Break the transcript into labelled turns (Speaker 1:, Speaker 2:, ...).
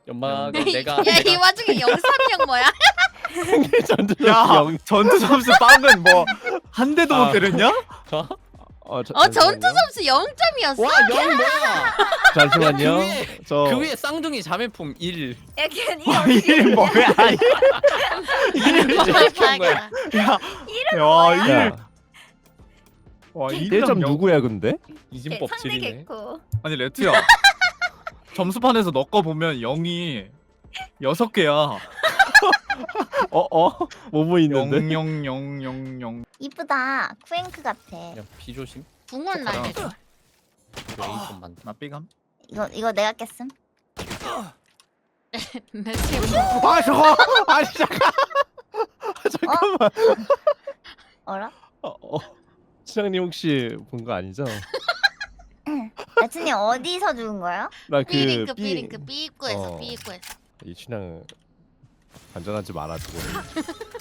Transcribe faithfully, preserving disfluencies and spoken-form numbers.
Speaker 1: 연막
Speaker 2: 야,
Speaker 1: 내가
Speaker 2: 야, 이
Speaker 1: 내가
Speaker 2: 와중에 영상력 뭐야?
Speaker 3: 전투
Speaker 4: 야
Speaker 3: 영.
Speaker 4: 전투 점수 빵은 뭐 한 대도
Speaker 3: 아.
Speaker 4: 못 때렸냐?
Speaker 1: 어?
Speaker 3: 어, 저,
Speaker 2: 어, 전투
Speaker 3: 잠시만요.
Speaker 2: 점수 영 점이었어?
Speaker 1: 와, 영 뭐야?
Speaker 3: 잠시만요.
Speaker 1: 그 위에
Speaker 3: 저
Speaker 1: 그 위에 쌍둥이 자매품 일.
Speaker 5: 야, 걔는 이
Speaker 4: 와
Speaker 5: 어떻게
Speaker 4: 일 뭐야?
Speaker 1: 이름을 이렇게 한 거야.
Speaker 4: 야, 야, 일.
Speaker 3: 야,
Speaker 4: 와,
Speaker 3: 일 점
Speaker 4: 영.
Speaker 3: 누구야 근데?
Speaker 1: 이진법
Speaker 5: 상대
Speaker 1: 칠이네.
Speaker 5: 개코.
Speaker 4: 아니 레트야. 점수판에서 너 거 보면 영이 여섯 개야.
Speaker 3: 어 어? 뭐 보이는데?
Speaker 4: 영영영영영.
Speaker 5: 이쁘다. 쿠앵크 같아.
Speaker 1: 야, 비조심.
Speaker 2: 붕은 날려줘.
Speaker 1: 레이건 만.
Speaker 4: 나 삐감.
Speaker 5: 이거 이거 내가 깼음.
Speaker 2: 몇개
Speaker 3: 아 저거! 아니 잠깐! 잠깐만.
Speaker 5: 어라?
Speaker 3: 어, 어. 시장님 혹시 본 거 아니죠?
Speaker 5: 레트님 어디서 죽은 거야?
Speaker 3: 나그
Speaker 2: 삐링크 삐링크 삐입구에서
Speaker 3: 어.
Speaker 2: 삐입구에서.
Speaker 3: 이 춘향 안전하지 말아주고.